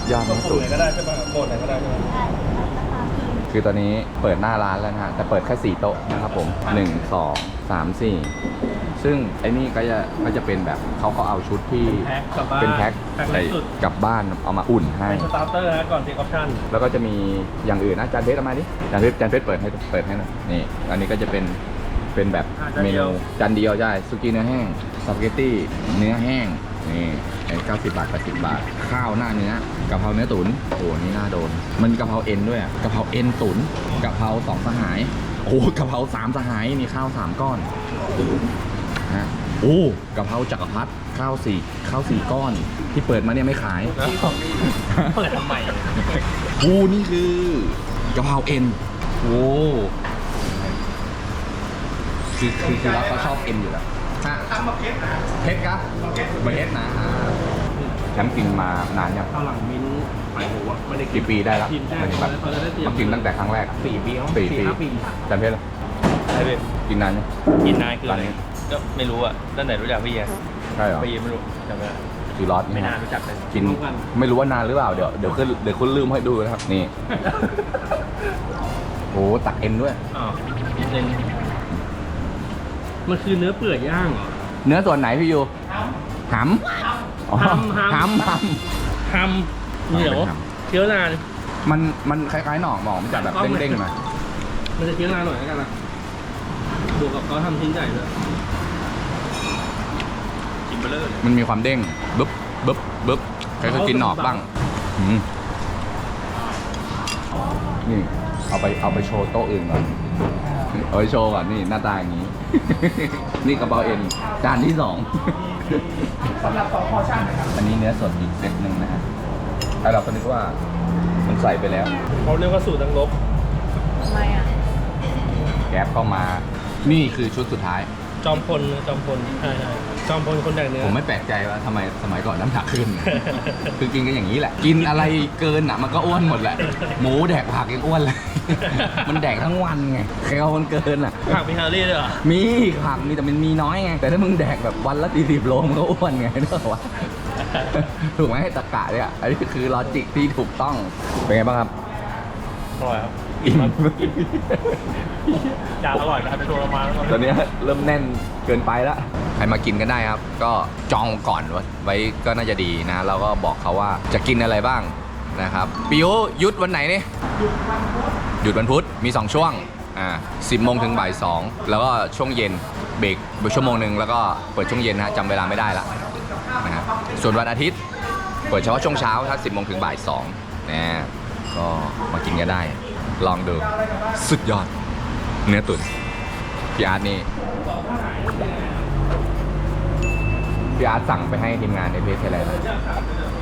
ยอดเนื้อตุ๋นไหนก็ได้ใช่ป่ะโหมดไหนก็ได้ใช่ไหมคือตอนนี้เปิดหน้าร้านแล้วนะฮะแต่เปิดแค่4โต๊ะนะครับผม1 2 3 4ซึ่งไอ้นี่ก็จะเป็นแบบเขาเอาชุดที่แพ็คกลับบ้านเป็นแพ็คแพ็คใส่สุดกลับบ้านเอามาอุ่นให้เป็นสตาร์เตอร์นะก่อนเทคออปชั่นแล้วก็จะมีอย่างอื่นนะจานเพชรเอามาดิจานเพชรเปิดให้หน่อยนี่อันนี้ก็จะเป็นแบบเมนูจานเดียวใช่สุกี้เนื้อแห้งสปาเกตตี้เนื้อแห้งนี่ไอ้90 บาท80 บาทข้าวหน้าเนื้อกะเพราเนื้อตุ๋นโอ้นี่น่าโดนมันกะเพราเอ็นด้วยกะเพราเอ็นตุ๋นกะเพรา2สหายโอ้กะเพรา3สหายมีข้าว3ก้อนนะโอ้กะเพราจักรพรรดิข้าว4ก้อนที่เปิดมาเนี่ยไม่ขายเปิดทำไมโอ้นี่คือกะเพราเอ็นโอ้คือเราเขาชอบเอ็นอยู่แล้วเพชรกะเพชรนะแชมป์กินมานานยังข้าวหลังมิ้นท์ไปหัวไม่ได้กี่ปีได้แล้วกินได้มันแบบเขาจะได้เตรียมมากินตั้งแต่ครั้งแรก 4 ปี 4 ปี 5 ปีจำเพชรเหรอใช่เลยกินนานยังกินนานคือร้าอะนไรนี้ก็ไม่รู้อ่ะตั้งแต่รู้จักพี่แยใช่เหรอปีไม่รู้จำไม่ได้คือรอสไม่นานรู้จักเลยกินร่วมกันไม่รู้ว่านานหรือเปล่าเดี๋ยวคุณลืมให้ดูนะครับนี่โอ้ตักเอ็นด้วยอ๋อนิดนึงมันคือเนื้อเปื่อยย่างเหรอเนื้อส่วนไหนพี่ยูหำอ๋อหำหำทำเหนียวเป็นหำเคี้ยวนานมันคล้ายๆหน่อหมอมันจะแบบเด้งๆหน่อยมันจะเคี้ยวนานหน่อยแล้วกันนะบวกกับเขาทำชิ้นใหญ่ด้วยกินเบลเลอร์เลยมันมีความเด้งบึ๊บใครเคยกินหนอกบ้างอืมนี่เอาไปโชว์โต๊ะอื่นก่อนเอาไปโชว์ก่อนนี่หน้าตาอย่างนี้ นี่กระเป๋าเอ็นจานที่2สำหรับ2พอชั่นนะครับอันนี้เนื้อสดอีกเซตหนึ่งนะฮะแต่เราก็นึกว่ามันใส่ไปแล้วเขาเรียกว่าสูตรดังลบทำไมอ่ะแก๊ปเข้ามานี่คือชุดสุดท้ายจอมพลใช่จอมพลคนแดกเนื้อผมไม่แปลกใจว่าทำไมสมัยก่อนน้ำหนักขึ้น คือกินกันอย่างนี้แหละ กินอะไรเกินอ่ะมันก็อ้วนหมดแหละ หมูแดกผักยังอ้วนเลย มันแดกทั้งวันไงแคลมันเกินอ่ะผักมีแคลอรี่ด้วยเหรอมีผักมีแต่มันมีน้อยไง แต่ถ้ามึงแดกแบบวันละ40 โลมันก็อ้วนไงนึกออกปะ ถูกไหมตะกะเนี่ยอันนี้คือลอจิกที่ถูกต้อง เป็นไงบ้างครับอร่อยครับอิ่มจานอร่อยนะครับไปโชว์เรามาแล้วตอนนี้เริ่มแน่นเกินไปแล้วใครมากินกันได้ครับ ก็จองก่อนไว้ก็น่าจะดีนะ แล้วก็บอกเขาว่าจะกินอะไรบ้างนะครับปิวยุดวันไหนนี่หยุดวันพุธมี2ช่วง10 โมงถึงบ่าย 2แล้วก็ช่วงเย็นเบรกชั่วโมงหนึ่งแล้วก็เปิดช่วงเย็นนะจำเวลาไม่ได้ละนะฮะส่วนวันอาทิตย์เปิดเฉพาะช่วงเช้าถ้า10 โมงถึงบ่าย 2นะก็มากินกันได้ลองดูสุดยอดเนื้อตุ๋นพี่อาร์ตนี่พี่อาร์ตสั่งไปให้ทีมงานในเพจอะไรนะ